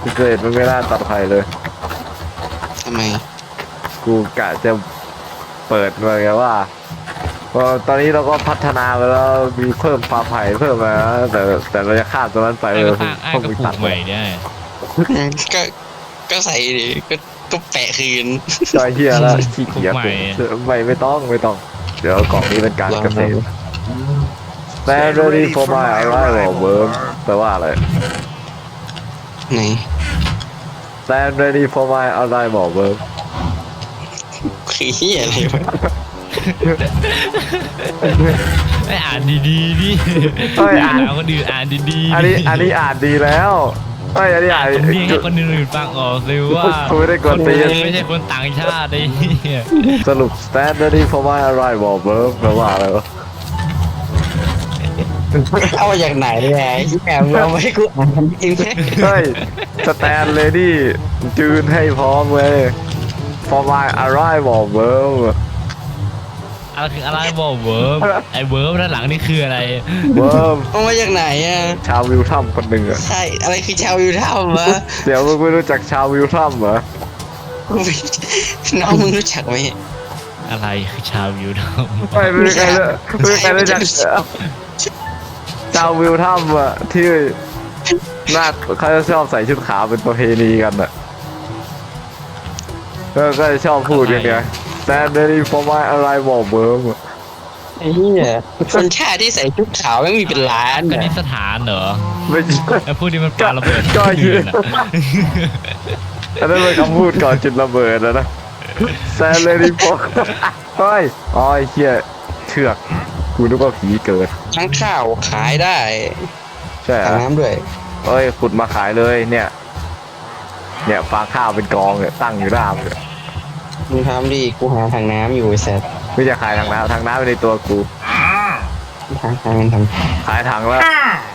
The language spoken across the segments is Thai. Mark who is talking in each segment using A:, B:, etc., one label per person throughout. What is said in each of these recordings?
A: เกรดมันไม่น่าตัดไผ่เลย
B: ทำไม
A: กูกะจะเปิดมาไงว่าพอตอนนี้เราก็พัฒนาไปแล้วมีเพิ่มฟาร์มไผ่เพิ่มมาแต่เราจะข้ามตรงนั้นไป
C: ก็ปลูกใหม่เนี่ย
B: ก็ก็ใส่ดิก็แปะคืน
A: จอยเฮียแล้วขี้เกียจไม่ต้องเดี๋ยวกล่องนี้เป็นการเกษตรแต่เรื่องนี้โฟมายอะไรหรอเวิร์มแปลว่าอะไร
B: ไหน
A: แต่เรื่องนี้โฟมายอะไรบอกเวิร์ม
B: คือเฮียอะไรวะ
C: ไม่อ่านดีๆดิอ่านแล้วคนอื่นอ่านดีๆ
A: อันนี้อ่านดีแล้วอันนี้อ่าน
C: ตรงนี้ให้คนอื่นฟังออกเลยว่า
A: ไม่ได้กดตี
C: ไม่ใช่คนต่างชาติดิ
A: สรุป standard formal arrival verb แปลว่าอะไรวะ
B: เอามาจากไหนเนี่ยแอบเอาไม่กูอ่านจริง
A: เฮ้ย stand ready ยืนให้พร้อมเลย formal arrival verb
C: อะไรคืออะไรบอกเวิร์บไอ้เวิร์บด้านหลังนี่คืออะไร
A: verb
B: เอามาจากไหนอ่ะ
A: ชาววิลทัมคนหนึ่งอะ
B: ใช่อะไรคือชาววิวท่ามะ
A: เดี๋ยวมึงไม่รู้จักชาววิลทัมเหรอ
B: น้องมึงรู้จักไหม
C: อะไรคือชาวยูทอม
A: ไม่ใครรู้จักชาววิลทัมอะที่น่าเขาจะชอบใส่ชุดขาวเป็นประเพณีกันอะก็จะชอบพูดอย่างเงี้ยStandard formal arrival verb
B: ไอ้เหี้ยคนชาติที่ใส่ชุดขาวไม่มีเป็นล้าน
C: คณิตสถานเหรอ
A: ไม่ใช่
C: ไอ้พวกนี้มันปาระเบิด
A: ก็ยืนอันนั้นเป็นคำพูดก่อนจุดระเบิดแล้วนะ Standard formal เฮ้ยอ๋อไอ้เหี้ยเชือกกูนึกว่าผีเกิด
B: ทั้งข้าวขายได้
A: ใช่
B: ถังน้ำด้วย
A: เอ้ยขุดมาขายเลยเนี่ยฟางข้าวเป็นกองเนี่ยตั้งอยู่หน้าเลย
B: มึงทำดิกูหาถังน้ำอยู่ไอ้แซด
A: ไม่จะขายถังน้ำในตัวกูขายถังแล้ว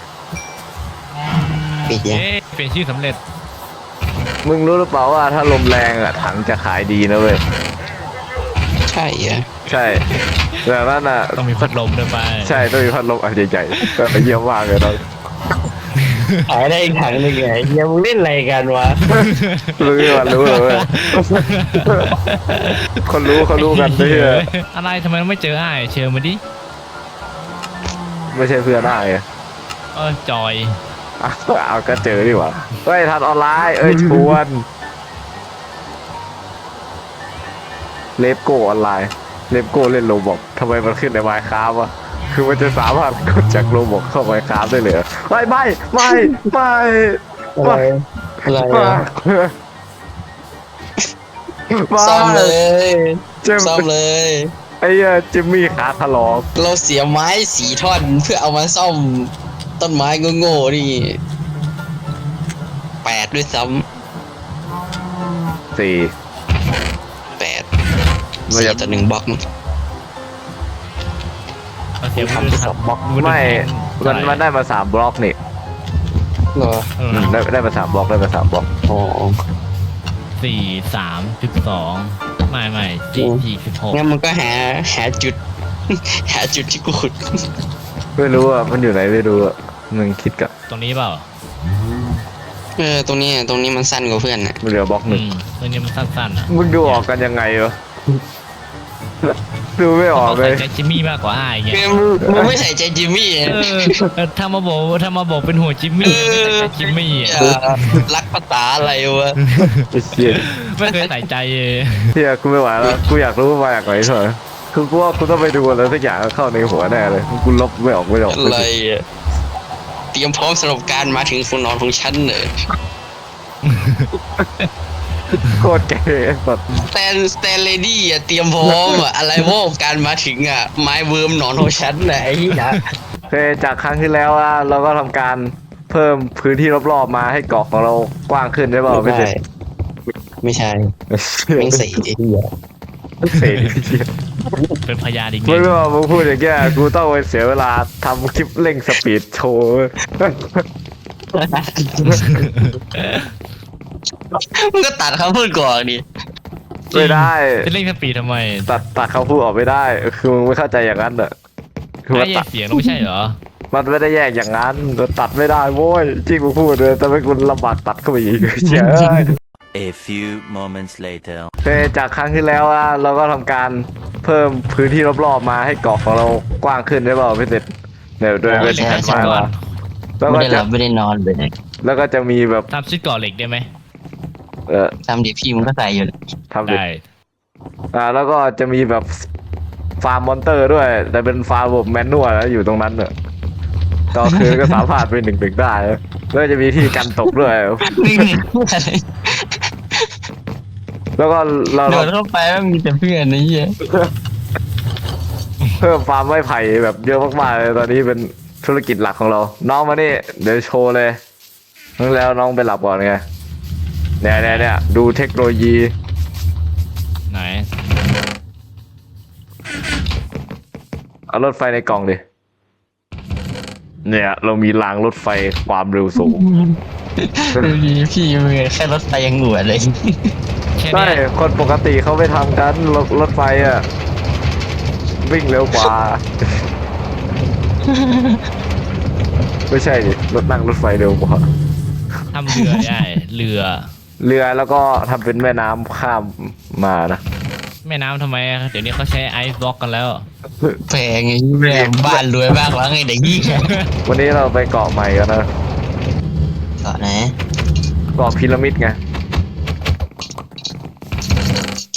B: ปิดยัง
C: เป็นชื่อสำเร็จ
A: มึงรู้หรือเปล่าว่าถ้าลมแรงอ่ะถังจะขายดีนะเว้ย
B: ใช่เหรอ
A: ใช่แต่นั่นอ่ะ
C: ต้องมีพัดลมด้วยไป
A: ใช่ต้องมีพัดลมอันใหญ่ๆก็เยี่ยมมากเลยเรา
B: ขายได้อีกถังหนึ่งไงยังมึงเล่นอะไรกันวะ
A: รู้เลยคนรู้กันด้วย
C: อะไรทำไมไม่เจอไอ้เชิญมาดิ
A: ไม่ใช่เพื่อนได้
C: จอย
A: เอาก็เจอดีกว่าเฮ้ยทันออนไลน์ชวนเลฟโก้ออนไลน์เลฟโก้เล่นโรบอกทำไมมันขึ้นในไมค์คราฟวะคือมันจะสามารถกดจากโรบอกเข้าไมค์คราฟได้เลยไม่
B: ซ่อมเลยไอ้
A: จิมมี่ขาถลอก
B: เราเสียไม้4 ท่อนเพื่อเอามาซ่อมต้นไม้โง่ๆนี่8ด้วยซ้
A: ำ4
B: ต่อ1บล็อก
C: ทำ
A: 2 บล็อกไม่มันได้มา3 บล็อกนี่
B: เหรอ
A: ได้มา3 บล็อก
B: อ๋อ
C: 4.3.2ไม่4.6
B: งั้นมันก็หาจุดที่กูขุด
A: ไม่รู้อ่ะมันอยู่ไหนไม่รู้อ่ะมึงคิดกับ
C: ตรงนี้เปล่า
B: ตรงนี้มันสั้นกว่าเพื่อนน่ะ
A: เหลือบล็อก1
C: ตรงนี้มันสั้นๆอ่ะ
A: มึงดูออกกันยังไงวะดูไม่ออกเลย
C: ใส่ใจจิมมี่มากกว่าไอ้เงี้ย
B: มึงไม่ใส่ใจจิมมี่
C: ถ้ามาบอกเป็นหัวจิมมี่ไม่ใส่ใจจิมมี่
B: รักภาษาอะไรวะ
C: ไม่เคยใส่ใจ
A: เฮียกูไม่ไหวแล้วกูอยากรู้มาจากไหนเถอะคือกูว่ากูต้องไปดูอะไรสักอย่างเข้าในหัวแน่เลยกูลบไม่ออก
B: อะไรเตรียมพร้อมสำหรับการมาถึงคนนอนของฉันเลย
A: โคตรเก๋แบบ
B: สแตนเลดี้เตรียมพร้อมอะไรว่าการมาถึงไม้เวิร์มนอนของฉันไอ้เหี้ย
A: จากครั้งที่แล้วเราก็ทำการเพิ่มพื้นที่รอบๆมาให้เกาะของเรากว้างขึ้นได้เปล่าไม่ใช่
B: ไม่ใส่ไอ้เหี้ย
C: เป็นพยานอีก
A: ไม่รู้ว่ามึงพูดอย่างเงี้ยกูต้องไปเสียเวลาทำคลิปเร่งสปีดโชว์
B: มึงก็ตัดคำพูดก่อนดิ
A: ไม่ได้
C: จะเล่นสปีดทำไม
A: ตัดคำพูดออกไม่ได้คือมึงไม่เข้าใจอย่างนั้น
C: ไอ้เสียงไม่ใช่เหรอ
A: มันไม่ได้แยกอย่างนั้นเราตัดไม่ได้โว้ยจริงกูพูดเลยแต่ไม่คุณลำบากตัดเข้าไปอีกเชี่ยเอ้ย
D: A few moments later.
A: โอเคจากครั้งที่แล้วอะเราก็ทำการเพิ่มพื้นที่รอบๆมาให้เกาะของเรากว้างขึ้นได้เปล่าพี่เสร็จเดี๋ยวด้วยเป็นแผน
C: ก่
A: มา
C: อน
A: แล้ว
B: ไม่
A: ก็
B: ได้ห
A: จะ
B: ลับไม่ได้นอนเลย
A: แล้วก็จะมีแบบ
C: ทำชุดก่อเหล็กได้ไหม
B: ทำดิพี่มันก็ใส่อยู่
A: ทำเด็ด
C: ได้
A: แล้วก็จะมีแบบฟาร์มมอนเตอร์ด้วย แต่เป็นฟาร์มแบบแมนนวลแล้วอยู่ตรงนั้นเนอะตอนคืนก็สามารถไปหนึ่งได้แล้วก็จะมีที่กันตกด้วย
B: นี่นี่อะไร
A: แล้วก็เรา
B: โดดเข้าไปมันมีแต่เพื่อนนะเหี้ย
A: เพิ่มฟาร์มไม้ไผ่แบบเยอะมากๆเลยตอนนี้เป็นธุรกิจหลักของเรา น้องมานี่เดี๋ยวโชว์เลยนั่นแล้วน้องไปหลับก่อนไงเนี่ยดูเทคโนโลยี
C: ไหน
A: เอารถไฟในกล่องดิเนี่ยเรามีรางรถไฟความเร็วสูง
B: ดูดีพี่มือแค่รถไฟยังหัวเลย
C: แค่
A: ใช่
C: เนี้ย
A: คนปกติเขาไม่ทำกันรถไฟอ่ะวิ่งเร็วกว่า ไม่ใช่ดิรถนั่งรถไฟเร็วกว่า
C: ทำเรือได้เรือ
A: เรือแล้วก็ทำเป็นแม่น้ำข้ามมานะ
C: แม่น้ำทำไมอะเดี๋ยวนี้เขาใช้ไอซ์บล็อกกันแล้ว
B: แพงไงแม่บ้านรวยมากแล้วไงเด็กยี่แค่
A: วันนี้เราไปเกาะใหม่กันนะ
B: ก่อนนะ
A: เกาะพีระมิดไง
B: โอเค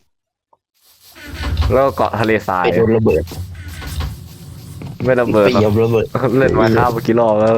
A: แล้วก็เกาะทะเลทราย
B: ไปโดนระเบิด
A: ไม่ระเบิด
B: ไป
A: หร
B: เหยีย
A: อบ ก
B: ระเบิด
A: เล่นมาข้าวเมื่อกี้รอบแล้ว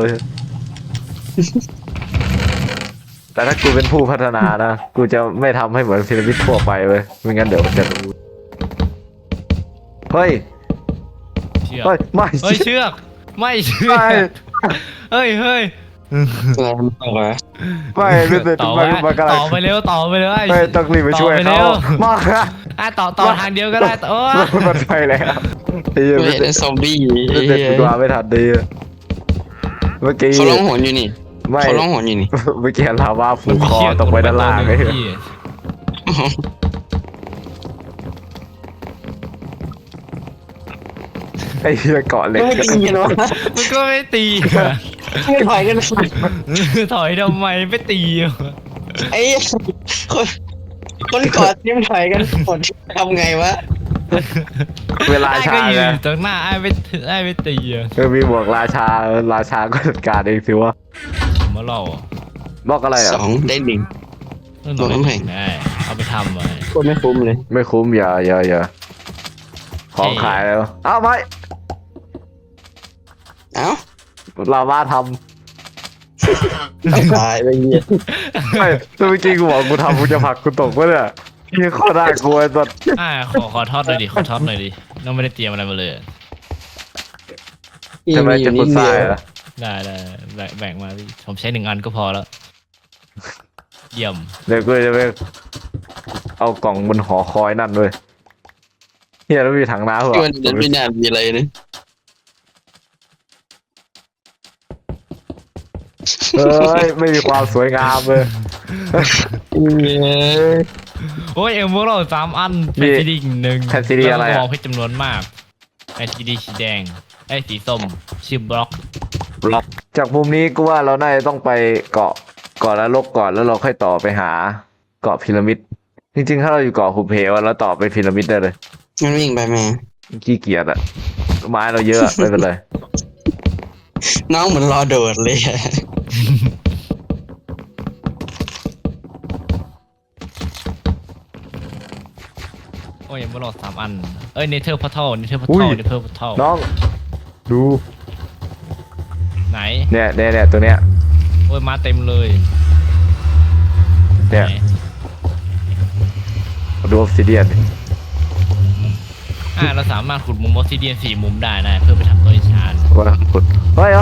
A: แต่ถ้ากูเป็นผู้พัฒนานะกูจะไม่ทำให้เหมือนพีระมิดทั่วไปเว้ยไม่งั้นเดี๋ยวมันจะรู้เฮ้ย
C: เชือก
A: เฮ้ยไม่
C: เฮ้ยเชือกไม่เชือ
A: ไม่
C: กเฮ้ย
B: อะไรมันบอกว่า
A: ไม่ไม่ติด
C: ต่อ
A: ไม่
C: ไป
A: ไม่กำลัง
C: ต่อไปเร็วต่อไปเลย
A: ไม่ต้องรีบไปช่วย
C: ต่อ
A: เขา
C: ร็ว
A: มา
C: ต่อทางเดียวก็ได้ต่อ
A: มันไปแล้วไอ้เหี้ย
B: ไม่
A: ไม่
B: เห็นซอมบี้
A: ติดตัวไม่ทันดีเมื่อกี้
B: เขาร้องหวนอยู่นี่
A: ไม่
B: เขาร้องหวนอยู่นี่
A: เมื่อกี้ลาวาผูกคอตกไปด้านล่างไอ้เหี้ยไอ้เหี้ยเกาะเหล็ก
B: ไม่ตีกันวะ
C: มันก็ไม่ตี
B: ไม่ถอยกัน
C: ถอยทำไมไม่ตี
B: ไอ้คนกอดยิ้มถอยกันหมดทำไงวะ
A: เวลา
C: ไอ้
A: ชา
C: ก็ยื
A: ไง
C: นตรงหน้าไอ้ไม่ตีอะ
A: มีบวกราชาก็จัดการเองสิวะ
C: มาเล่า
A: บอกอะไรอ่ะ
B: 2 ได้ 1 บอกน้ำแข็ง
C: ได้เอาไปทำไว้
B: โคตรไม่คุ้มเลย
A: ไม่คุ้มอย่าของขายแล้วเอ้าไม่
B: เอ้า
A: ลาวาท
B: ตายไปเหี้ย
A: ำไม่เมื่อกี้กูบอกกูทำกูจะผลักกูตกวะเนี่ยนี่ข้อได้กูไอ้ตัว
C: ขอทอดหน่อยดิขอทอดหน่อยดิน้องไม่ได้เตรียมอะไรมาเลย
A: ทำไมจะคุณทรายอ่ะ
C: ได้แบ่งมาพี่ผมใช้1 อันก็พอแล้ว เยี่ยม
A: เดี๋ยวกูจะไปเอากล่องบนหอคอยนั่นด้วยเฮียแล้วมีถังน้ำเหร
B: ที่
A: อ
B: มันเดินไม่น่ามีอะไรนะ
A: เฮ้ยไม่มีความสวยงามเลย
C: โอ้ยพวกเรา3 อัน
A: มี
C: แผ่นซีดี1
A: แผ่นซีดีอะไรอะ
C: มองเพชรจำนวนมากแผ่นซีดีสีแดงไอ้สีส้มชื่อบล็อก
A: จากมุมนี้กูว่าเราน่าจะต้องไปเกาะนรกก่อนแล้วเราค่อยต่อไปหาเกาะพีระมิดจริงๆถ้าเราอยู่เกาะหุบเหวอะเราต่อไปพีระมิดได้เลย
B: มันวิ่งไปแม่
A: ขี้เกียจอะไม้เราเยอะไม่เป็นไร
B: น้องเหมือนรอโดดเลยอะ
C: โอ้ยพวกเรา3 อันเอ้ยเนเธอร์พัทเทิล
A: อุ้ย น้อง ดู
C: ไหน
A: เนี่ยตัวเนี้ย
C: โอ้ยมาเต็มเลย
A: เนี่ย
C: ไหน
A: ดูออฟซิเดียน
C: เราสามารถขุดมุมออสซิเดียน4 มุมได้นะเพื่อไปทำตัวอิชาน
A: ว่าขุดเฮ้ย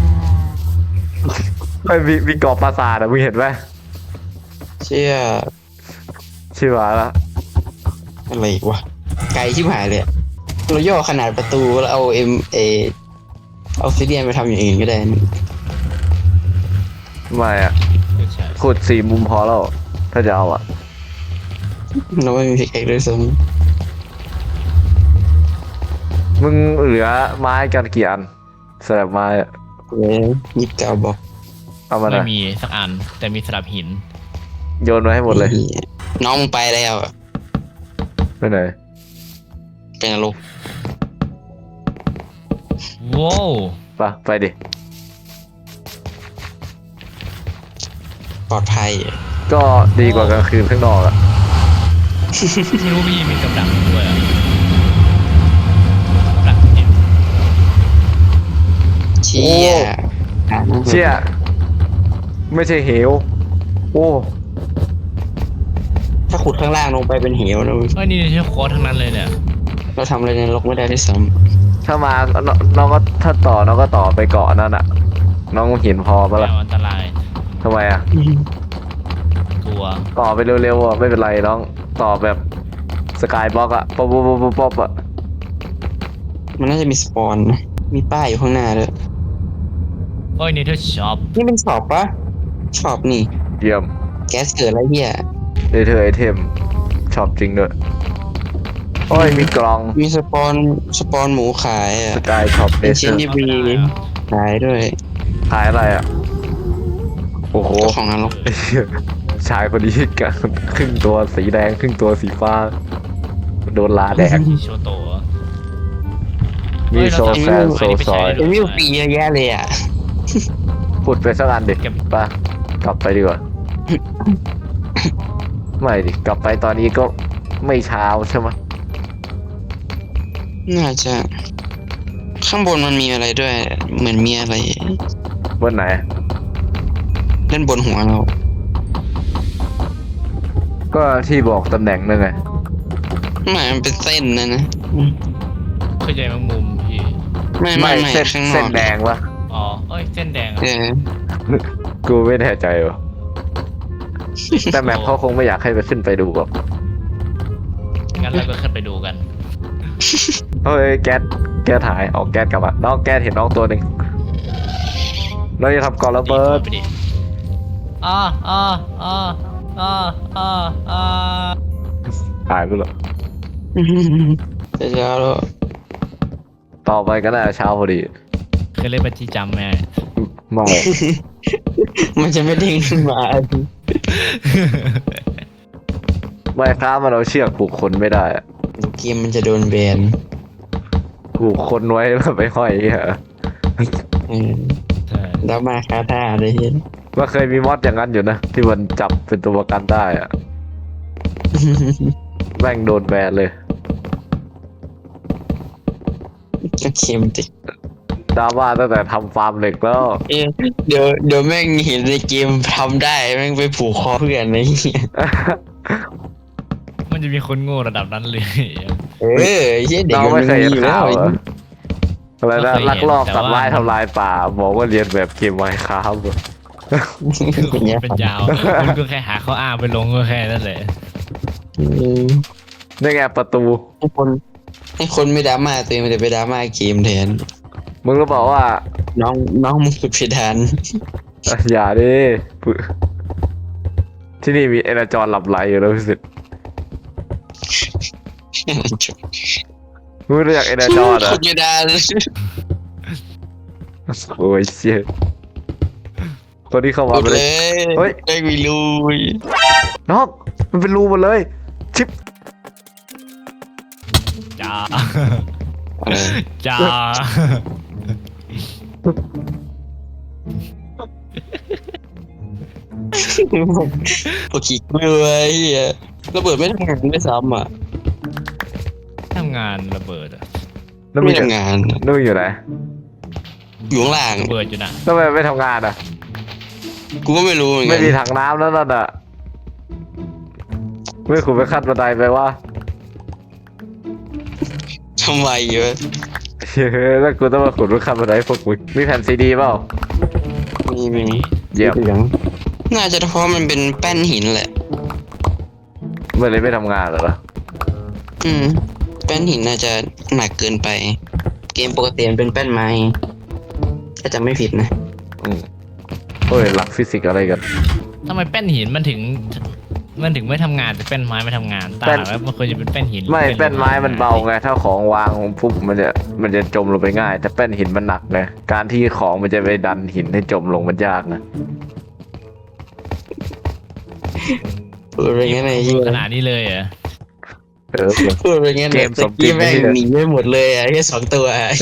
A: มีเกาะปราสาทอะมึงเห็นไหม
B: เชี่ย
A: ชื่อว่าละ
B: อะไรอีกวะไกลชิบหายเลยอะเราย่อขนาดประตูแล้วเอาเอาซิเดียนไปทำอย่างอื่นก็ได้นะ
A: ไม่อะ
C: ใช่
A: ขุด4 มุมพอแล้วถ้าจะเอาอะ
B: เราไม่มีพิกแอคด้วยซ้
A: มึงเหลือไม้กันกี่อันสลับไม้อะ
B: 29 บอก
A: เอามาห
C: ไม่
A: น่อย
C: มีสักอัน แต่มีสลับหิน
A: โยนมาให้หมดเลย
B: น้องมึงไปแล้วอะ
A: ไปไหน
B: เป็นนรก
C: ว้าว
A: ไปดิ
B: ปลอดภัยอะ
A: ก็ดีกว่ากลางคืนข้างนอกอะ
C: ไม่รู้พี่มีกำลังด้วยอะกำลังเจ็บ
B: เชี่ย
A: เชี่ยไม่ใช่เหวโอ้
B: ถ้าขุดข้างล่างลงไปเป็นเหวนะมึง
C: เอ้ยนี่ใช่โค้ดทั้งนั้นเลยเนี่ย
B: เราทำอะไรในนรกไม่ได้ด้วยซ้
A: ถ้ามาน้องก็ถ้าต่อน้องก็ต่อไปเกาะนั่นอะน้องหินพอปะ
C: แน
A: ล่ะ
C: วอันตราย
A: ทำไมอะ
B: ำ
C: กลัว
A: ต่อไปเร็วๆอะไม่เป็นไรน้องต่อแบบสกายบล็อกอะป๊อปป๊อปป๊อปป๊อปอะ
B: มันน่าจะมีสปอนนะมีป้ายอยู่ข้างหน้าด้วย
C: โอ้ยนี่เธอช็อป
B: นี่เป็นช็อปปะช็อปนี่
A: เยี่ยม
B: แก๊สเกิดอะไรเหี้ย
A: เดเธอไอเทมชอบจริงด้วยโอ้ยมีกล่อง
B: มีสปอนหมูขายอ่ะ
A: สกายช็อปเด
B: เป็น
A: เธ
B: ชิ้น
A: อ
B: ที่บีขายด้วย
A: ขายอะไรอะโอ้โห
B: เจ้าของนรก
A: ไอ้เหี้ยชายคนนี้กันครึ่งตัวสีแดงครึ่งตัวสีฟ้า โดนลาแดก
C: โชโตะ
A: มีโซแซนโซซอย
B: เป็นวิวปีเยอะแยะเลยอ่ะ
A: พูดไปสักอันดิไปกลับไปดีกว่า ไม่ดิ กลับไปตอนนี้ก็ไม่เช้าใช่ไหม
B: น่าจะ ข้างบนมันมีอะไรด้วย เหมือนมีอะไร
A: วันไหน
B: เล่นบนหัวเรา
A: ก็ที่บอกตำแหน่งนั่นไง
B: มันเป็นเส้นนะอืม
C: เข้าใจแมงมุมพี่
B: ไม่
A: เส้น
B: ข้างน
A: เส้
B: อน ก
A: แดงวะ
C: อ๋อเอ้ยเส้นแดงอะ
B: เออ
A: กูไม่แน่ใจวะแต่แมปเขาคงไม่อยากให้ไปขึ้นไปดูหรอก
C: งั้นเราก็ขึ้นไปดูกัน
A: เฮ้ยแก๊สหายออกแก๊สกลับมาน้องแก๊สเห็นน้องตัวหนึ่งเราจะทำก่อนระเบิด
C: ไปดิอ่าอ่าอ่าอ่าอ่าอ่า
A: หายไปแล้ว
B: จะเช้าแล้ว
A: ต่อไปก็น่าจะเช้าพอดี
C: เคยเล่นบัญชีจำไหม
A: มอง
B: มันจะไม่เด้งขึ้นมา
A: ไม่ครับมันเอาเชือกผูกคนไม่ได้อะ
B: เกมมันจะโดนแบน
A: ผูกคนไว้แล้วไปห้อยเหรอ
B: เออ
C: ใช่
B: แล้วมาคาท่าได้เห็น
A: ว่าเคยมีมอดอย่างนั้นอยู่นะ ที่มันจับเป็นตัวประกันได้อะแม่งโดนแบนเลย
B: ก็เค็มติ
A: ดราม่าตั้งแต่ทำฟาร์มเหล็กแล้ว
B: เอ๊ะเดี๋ยวแม่งเห็นในเกมทำได้แม่งไปผูกคอเพื่อนไอ้เหี้ย
C: มันจะมีคนโง่ระดับนั้นเลย
B: เออไอ้เหี้ยเด็ก
A: เรา
B: มัน
A: ไม่เคย
B: มี
A: เห็น
B: อยู่แล้
A: ข่าว วเหรออะไรนะ
C: ไม่เคยเห็น
A: ลักลอบ
C: แต่
A: ตัด
C: ว่า
A: ไม้ทำลายป่า บอกว่าเรียนแบบเกมไมค์ครับ
B: อย่างเงี้ย
C: เป็นยาวคุณก็แค่หาข้ออ้างไปลงก็แค่นั้นแหละ
A: นี่ไงประตู
B: ให้คนไม่ดราม่าตัวเองมันจะไปดราม่าเกมแทน
A: มึงรู้เปล่าว่า
B: น้องมึงสุดเพดาน
A: อย่าดิที่นี่มีเอเนจรหลับไหลอยู่แล้วพี่สิทธิ์มึงรู้จักเอเนจรเหร
B: สุ
A: อ่ะ
B: ดเพดาน
A: โอ้ยเชี่ยคนที่เข้ามา
B: สุด
A: ไปเล
B: เลย ย
A: เฮ้ย
B: ได้มีลุย
A: น้องมันเป็นรูหมดเลย ชิป
C: จ้า
B: เออ
C: จ้า
B: พวกขี้กลัวไอ้เหี้ยระเบิดไม่ทำงานด้วยซ้ำอ่ะ
C: ทำงานระเบิดอะ
A: นั่น
B: ไม่
A: มึงอยู่
B: ทำงาน
A: นั่นมึงอยู่ไหน
B: อยู่ข้างล่าง
C: ระเบิดอยู่นะ
A: ทำไมไม่ทำงานอ่ะ
B: กูก็ไม่รู้เหมือนกั
A: ไม่
B: น
A: มีถังน้ำแล้วนั่นอ่ะไม่ขุดไปขั้นบันไดไปว่า
B: ทำไมเยอะ
A: เฮ้ยแล้วกูต้องมาขุดไปขั้นบันไดพวกมึงมีแผ่นซีดีเปล่า
B: มี
A: เยี่ยม
B: น่าจะเพราะมันเป็นแป้นหินแหละ
A: เมื่อไรไม่ทำงานเหรอ
B: แป้นหินน่าจะหนักเกินไป เกมปกติมันเป็นแป้นไม้ถ้าจำไม่ผิดนะ
A: โอ้ยหลักฟิสิกส์อะไรกัน
C: ทำไมแป้นหินมันถึงมันถึงไม่ทำงานแต่แป้นไม้ไม่ทำงานตาแล้วมันควรจะเป็นแป้นหิน
A: ไม่
C: หรือ
A: แป้นไม้มันเบาไงถ้าของวางปุ๊บมันจะจมลงไปง่าย แต่แป้นหินมันหนักไงการที่ของมันจะไปดันหินให้จมลงมันยากนะ
B: พูดไปงั้นไอ้เหี้ย
C: ขนาดนี้เลยเหรอ
B: พูดไปงั้น
A: เกมสมจริ
B: กี้
A: ง
B: แม่ง
A: เนี่ย
B: หนีไม่หมดเลยอ่ะแค่2 ตัวอ่ะ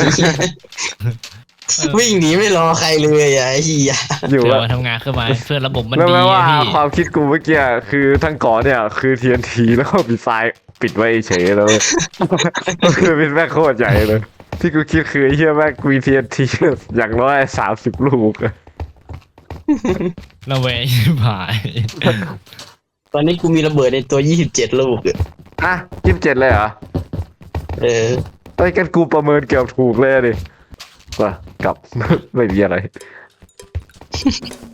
B: วิ่งหนีไม่รอใครเลยอ่ะไอ้เหี้ย
A: อยู่
C: เพื่อ
A: อะ
C: มาทำงานขึ้นมาเพื่อระบบมัน
A: แล้ว
C: ดี
A: แม้ว่า
C: อะพี่
A: ความคิดกูเมื่อกี้คือทั้งเก่อนเนี่ยคือ TNT แล้วก็มีทรายปิดไว้เฉยแล้ว ก็คือเป็นแม่งโคตรใหญ่เลย ที่กูคิดคือไอ้เหี้ยแม่งมี TNT อย่างน้อย30 ลูกอะ
C: ระแวงชิบหาย
B: ตอนนี้กูมีระเบิดในตัว27 ลูกอะ
A: อ่ะ27เลยเหรอ
B: เออ
A: ไอ้ยกันกูประเมินเกือบถูกเลยดิว่ากลับ ไม่มีอะไร